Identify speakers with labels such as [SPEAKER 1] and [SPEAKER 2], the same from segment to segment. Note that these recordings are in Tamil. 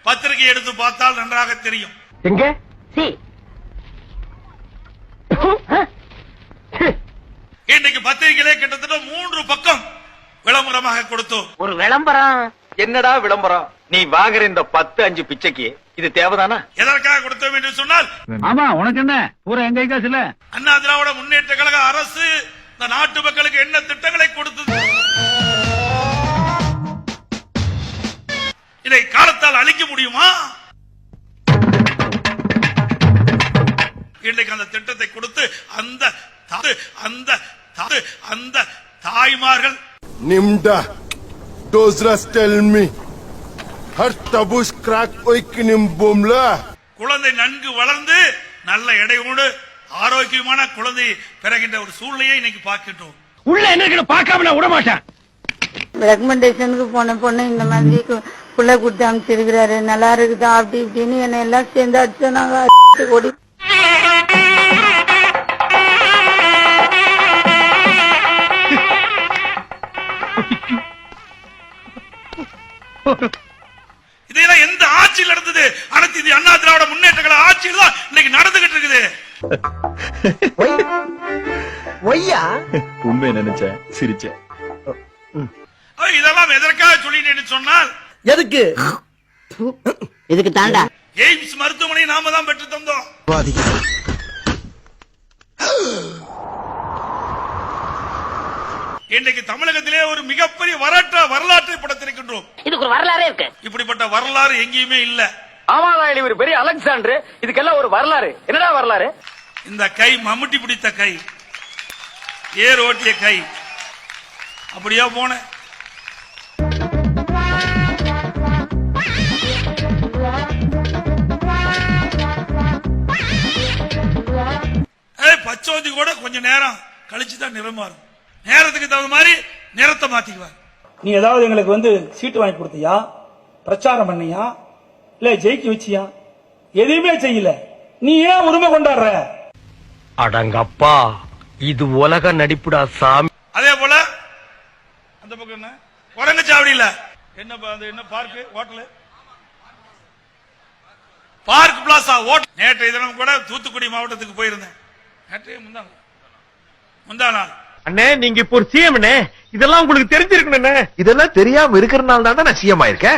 [SPEAKER 1] பத்திரிகை எடுத்து பார்த்தால் நன்றாக தெரியும்.
[SPEAKER 2] எங்க
[SPEAKER 1] இன்னைக்கு பத்திரிகையிலே கிட்டத்தட்ட 3 பக்கம் விளம்பரமாக கொடுத்தோம்.
[SPEAKER 2] ஒரு விளம்பரம்?
[SPEAKER 3] என்னடா விளம்பரம்? நீ வாங்குற இந்த 10-5 பிச்சைக்கு இது தேவைதானா?
[SPEAKER 1] எதற்காக கொடுத்தோம் என்று சொன்னால்,
[SPEAKER 4] ஆமா உனக்கு என்ன பூரா எங்க காசு இல்ல.
[SPEAKER 1] அண்ணா திராவிட முன்னேற்ற கழக அரசு இந்த நாட்டு மக்களுக்கு என்ன திட்டங்களை கொடுத்தது, இதை காலத்தால் அழிக்க முடியுமா? இன்றைக்கு அந்த திட்டத்தை கொடுத்து அந்த தாய்மார்கள்
[SPEAKER 5] Nimda, Dozras tell me. Har tabush crack oikinim bomla.
[SPEAKER 1] குழந்தை நன்கு வளர்ந்து நல்ல எடையோடு ஆரோக்கியமான குழந்தை பிறகின்ற ஒரு சூழ்நிலையை இன்னைக்கு பார்க்கின்றோம்.
[SPEAKER 4] உள்ள என்ன பார்க்காம நான் விட மாட்டேன்.
[SPEAKER 6] ரெக்கமெண்டேஷனுக்கு போன பொண்ணு இந்த மாதிரி புள்ள கொடுத்து அமைச்சிருக்கிறாரு, நல்லா இருக்குதா அப்படி இப்படின்னு என்ன எல்லாம் சேர்ந்து அடிச்சு நாங்க ஓடி.
[SPEAKER 1] இதெல்லாம் எந்த ஆட்சியில் நடந்தது? அனைத்து இது அண்ணா திராவிட முன்னேற்ற கழக ஆட்சியில் தான் இன்னைக்கு நடந்துகிட்டு இருக்குது.
[SPEAKER 3] உண்மை நினைச்சேன், சிரிச்சேன்.
[SPEAKER 1] இதெல்லாம் எதற்காக சொல்லிட்டேன்னு சொன்னால்,
[SPEAKER 2] இதுக்கு தாண்டா
[SPEAKER 1] எய்ம்ஸ் மருத்துவமனை நாம தான் பெற்று தந்தோம். இன்றைக்கு தமிழகத்திலே ஒரு மிகப்பெரிய வரலாற்றை படைத்திருக்கின்றோம்.
[SPEAKER 2] இதுக்கு ஒரு வரலாறே இருக்கு.
[SPEAKER 1] இப்படிப்பட்ட வரலாறு எங்கேயுமே இல்ல.
[SPEAKER 3] ஆமாடா, ஒரு பெரிய அலெக்சாண்டர். இதுக்கெல்லாம் ஒரு வரலாறு. என்னடா வரலாறு?
[SPEAKER 1] இந்த கை மம்முட்டி பிடித்த கை, ஏர் ஓட்டிய கை, அப்படியா போன பச்சோந்தி கூட கொஞ்ச நேரம் கழிச்சுதான் நிறம் மாறும். நேரத்துக்கு தகுந்த மாதிரி நிறத்தை மாத்திக்குவார்.
[SPEAKER 7] நீ ஏதாவது எங்களுக்கு சீட்டு வாங்கி கொடுத்தியா, பிரச்சாரம் பண்ணியா, இல்ல ஜெயிக்க வச்சியா? எதுவுமே செய்யல. நீ ஏன் உரிமை கொண்டாடுற?
[SPEAKER 3] அடங்கப்பா, இது உலக நடிப்புடா சாமி.
[SPEAKER 1] அதே போல அந்த பக்கம் என்ன குரங்கச்சாவடியில என்ன park hotel, park plaza hotel. நேற்றைய தினம் கூட தூத்துக்குடி மாவட்டத்துக்கு போயிருந்தேன். நேற்றைய முந்தா நாள்.
[SPEAKER 3] அண்ணே, நீங்க இப்போ ஒரு சிஎம். இதெல்லாம் உங்களுக்கு தெரிஞ்சிருக்கணும்.
[SPEAKER 8] இதெல்லாம் தெரியாம இருக்கிறனால தான் நான் சிஎம் ஆயிருக்கேன்.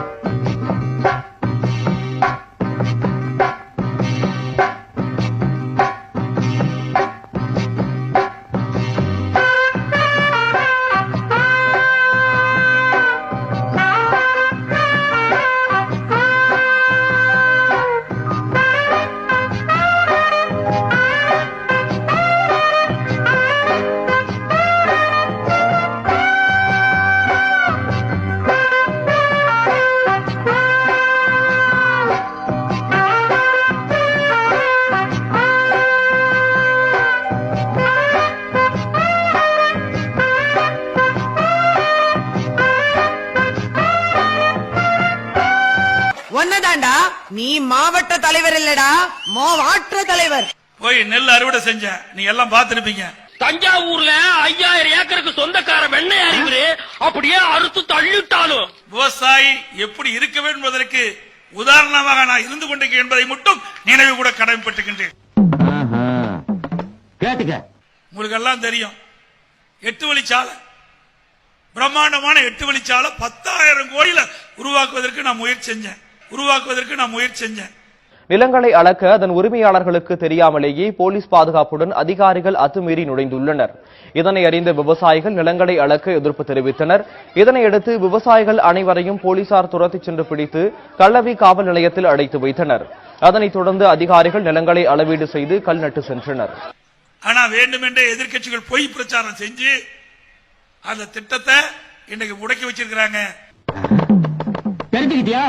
[SPEAKER 9] ஒன்னதாண்டா, நீ மாவட்ட தலைவர் இல்லடா, மாவட்ட தலைவர்.
[SPEAKER 1] போய் நெல் அறுவடை செஞ்ச நீ எல்லாம் பார்த்திருப்பீங்க.
[SPEAKER 4] தஞ்சாவூர்ல 5000 ஏக்கருக்கு சொந்தக்கார வெண்ணெய் அறிவுரு அப்படியே அறுத்து தள்ளிட்டாலும்
[SPEAKER 1] விவசாயி எப்படி இருக்க வேண்டும் என்பதற்கு உதாரணமாக நான் இருந்து கொண்டிருக்கேன் என்பதை மட்டும் நினைவு கூட கடமைப்பட்டுகின்றேன். உங்களுக்கு எல்லாம் தெரியும், 8 வழிச்சாலை, பிரம்மாண்டமான 8 வழிச்சாலை 10,000 கோடியில உருவாக்குவதற்கு நான் முயற்சி செஞ்சேன்.
[SPEAKER 10] நிலங்களை அளக்க அதன் உரிமையாளர்களுக்கு தெரியாமலேயே போலீஸ் பாதுகாப்புடன் அதிகாரிகள் அத்துமீறி நுழைந்துள்ளனர். இதனை அறிந்த விவசாயிகள் நிலங்களை அளக்க எதிர்ப்பு தெரிவித்தனர். இதனையடுத்து விவசாயிகள் அனைவரையும் போலீசார் துரத்திச் சென்று பிடித்து கள்ளவி காவல் நிலையத்தில் அடைத்து வைத்தனர். அதனைத் தொடர்ந்து அதிகாரிகள் நிலங்களை அளவீடு செய்து கல் நட்டு சென்றனர்.
[SPEAKER 1] ஆனா வேண்டுமென்றே எதிர்க்கட்சிகள் பொய் பிரச்சாரம் செஞ்சு அந்த திட்டத்தை இன்னைக்கு முடக்கி வச்சிருக்கிறாங்க.
[SPEAKER 4] தெரிஞ்சுக்கிட்டியா?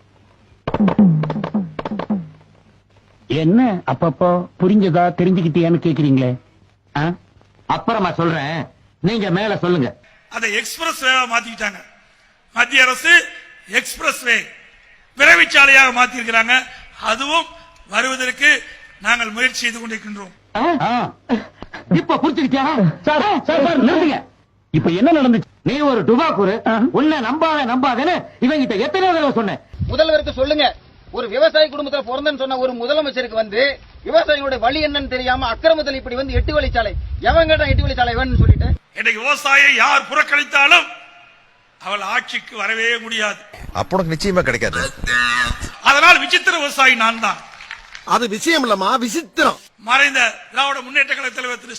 [SPEAKER 4] என்ன அப்பப்போ புரிஞ்சதா தெரிஞ்சுக்கிட்டியான்னு கேக்குறீங்களே? அப்புறமா சொல்றேன், நீங்க மேல சொல்லுங்க.
[SPEAKER 1] அதை எக்ஸ்பிரஸ் வேவா மாத்திட்டாங்க. மத்திய அரசு எக்ஸ்பிரஸ் வே விரைவுச்சாலையாக மாத்திருக்கிறாங்க. அதுவும் வருவதற்கு நாங்கள் முயற்சி செய்து கொண்டிருக்கின்றோம்.
[SPEAKER 4] இப்ப புரிஞ்சுக்கிட்டியா? சார் நிறுத்துங்க. இப்ப என்ன நடந்துச்சு? நீ ஒரு டுபாக்கூரு உன்னை நம்பாதேன்னு இவங்கிட்ட எத்தனை தடவை சொன்னேன்.
[SPEAKER 3] முதல்வருக்கு சொல்லுங்க, ஒரு விவசாய குடும்பத்துல பிறந்தன்னு சொன்ன ஒரு முதலமைச்சருக்கு விவசாயிகளுடைய வழி என்னன்னு தெரியாம அக்கிரமத்தில் இப்படி 8 வழிச்சாலை எவன் கேட்டா 8 வழிச்சாலை வேணும்னு சொல்லிட்டு
[SPEAKER 1] இன்னைக்கு விவசாயியை யார் புறக்கணித்தாலும் அவள் ஆட்சிக்கு வரவே முடியாது.
[SPEAKER 8] அப்ப உனக்கு நிச்சயமா கிடைக்காது.
[SPEAKER 1] அதனால் விசித்திர விவசாயி நான் தான்.
[SPEAKER 5] அது விஷயம் இல்லம்மா, விசித்திரம்.
[SPEAKER 1] மறைந்த திராவிட முன்னேற்ற கழக தலைவர் திரு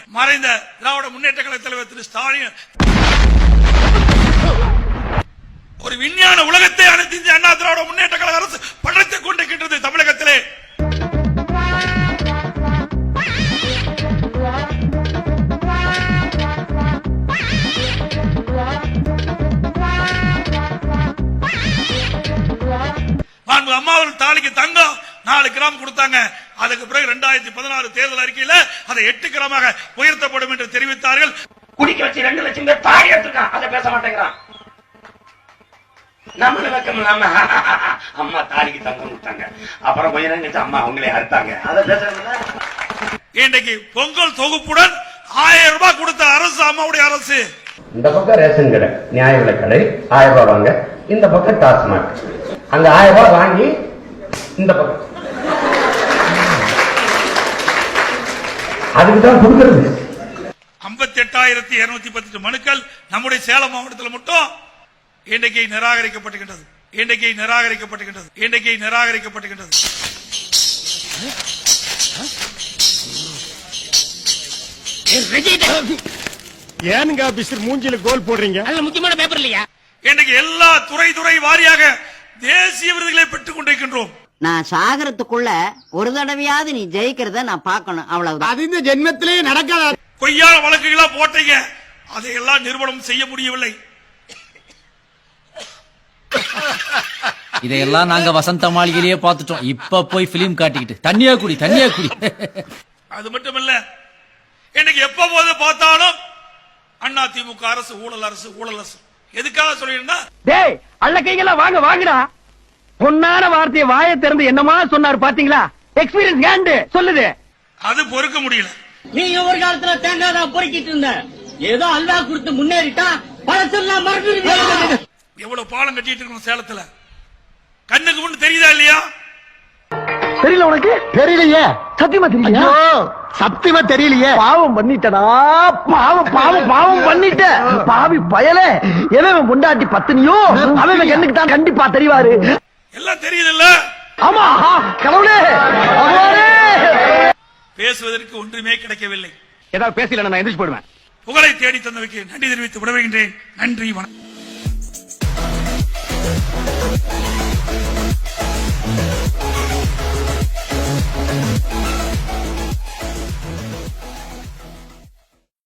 [SPEAKER 1] ஸ்டாலின் ஒரு விஞ்ஞான உலகத்தை அனைத்து இந்திய அண்ணா திராவிட முன்னேற்ற கழக அரசு படைத்துக் கொண்டிருக்கின்றது தமிழகத்திலே. அம்மாவில் தாலிக்கு தங்கம் 4 கிராம் கொடுத்தாங்க. அதுக்கு பிறகு 2016 தேர்தல் அறிக்கையில அதை 8 கிராமாக உயர்த்தப்படும் என்று தெரிவித்தார்கள்.
[SPEAKER 4] குடிக்க வச்சு 2 லட்சம் பேர் தாடி எடுத்துருக்கான், அதை பேச மாட்டேங்கிறான். நம்மள வெக்கம் இல்லாம அம்மா தாலிக்கு தங்கம் கொடுத்தாங்க, அப்புறம் கொஞ்ச நேரம் கழிச்சு அம்மா அவங்களே அறுத்தாங்க, அதை பேசுறதுல
[SPEAKER 1] இன்றைக்கு பொங்கல் தொகுப்புடன் 1000 ரூபாய் கொடுத்த அரசு அம்மாவுடைய அரசு.
[SPEAKER 4] இந்த பக்கம் ரேஷன் கடை, நியாய விலை கடை 1000 ரூபாய் வாங்க, இந்த பக்கம் டாஸ்மாக் அங்க 1000 ரூபாய் வாங்கி இந்த பக்கம் அதுக்குதான் கொடுக்கிறது.
[SPEAKER 1] 58,218 மனுக்கள் நம்முடைய சேலம் மாவட்டத்தில் மட்டும் இன்றைக்கு நிராகரிக்கப்பட்டுகின்றது.
[SPEAKER 5] ஏனுங்க பிஸ்டர் மூஞ்சில கோல் போடுறீங்க?
[SPEAKER 4] முக்கியமான பேப்பர் இல்லையா?
[SPEAKER 1] இன்றைக்கு எல்லா துறை வாரியாக தேசிய விருதுகளை பெற்றுக் கொண்டிருக்கின்றோம்.
[SPEAKER 2] நான் சாகரத்துக்குள்ள ஒரு தடவையாவது நீ ஜெயிக்கிறத நான் பார்க்கணும், அவ்வளவுதான்.
[SPEAKER 5] அது இந்த ஜென்மத்திலே நடக்காத.
[SPEAKER 1] பொய்யான வழக்குகளா போட்டீங்க, அதையெல்லாம் நிறுவனம் செய்ய முடியவில்லை.
[SPEAKER 11] இதையெல்லாம் நாங்க வசந்த மாளிகையிலேயே பார்த்துட்டோம். இப்ப போய் பிலிம் காட்டிக்கிட்டு தண்ணியா குடி.
[SPEAKER 1] அது மட்டுமல்ல, இன்னைக்கு எப்ப போது பார்த்தாலும் அண்ணா திமுக அரசு ஊழல் அரசு. எதுக்காக சொல்லிருந்தா,
[SPEAKER 4] டேய் அள்ள கைகள வாங்கடா. பொன்னான வார்த்தையை வாயை திறந்து என்னமா சொன்னாரு பாத்தீங்களா? எக்ஸ்பீரியன்ஸ் கேண்டு சொல்லுது.
[SPEAKER 1] அது பொறுக்க முடியல.
[SPEAKER 4] நீங்க ஒரு காலத்துல தேங்காய் தான் பொறுக்கிட்டு இருந்த, ஏதோ அல்வா கொடுத்து முன்னேறிட்டா பழசெல்லாம் மறந்துடுவீங்க.
[SPEAKER 1] எவ்வளவு பாலம் கட்டிட்டு இருக்கோம் சேலத்துல, கண்ணுக்கு முன்னு தெரியுதா இல்லையா?
[SPEAKER 4] தெரியல உனக்கு? தெரியலையே, சத்தியமா தெரியல. சத்தியமா தெரியலையே. பாவம் பண்ணிட்டடா, பாவம் பண்ணிட்ட பாவி பயலே. எவன் பொண்டாட்டி பத்தினியோ அவன் கண்ணுக்கு தான் கண்டிப்பா தெரிவாரு.
[SPEAKER 1] எல்லாம் தெரியுது இல்ல?
[SPEAKER 4] ஆமா கடவுளே.
[SPEAKER 1] பேசுவதற்கு ஒன்றுமே கிடைக்கவில்லை.
[SPEAKER 4] ஏதாவது பேசல நான் எந்திரிச்சு போடுவேன்.
[SPEAKER 1] புகழை தேடி தந்தவைக்கு நன்றி தெரிவித்து விடைபெறுகின்றேன். நன்றி, வணக்கம்.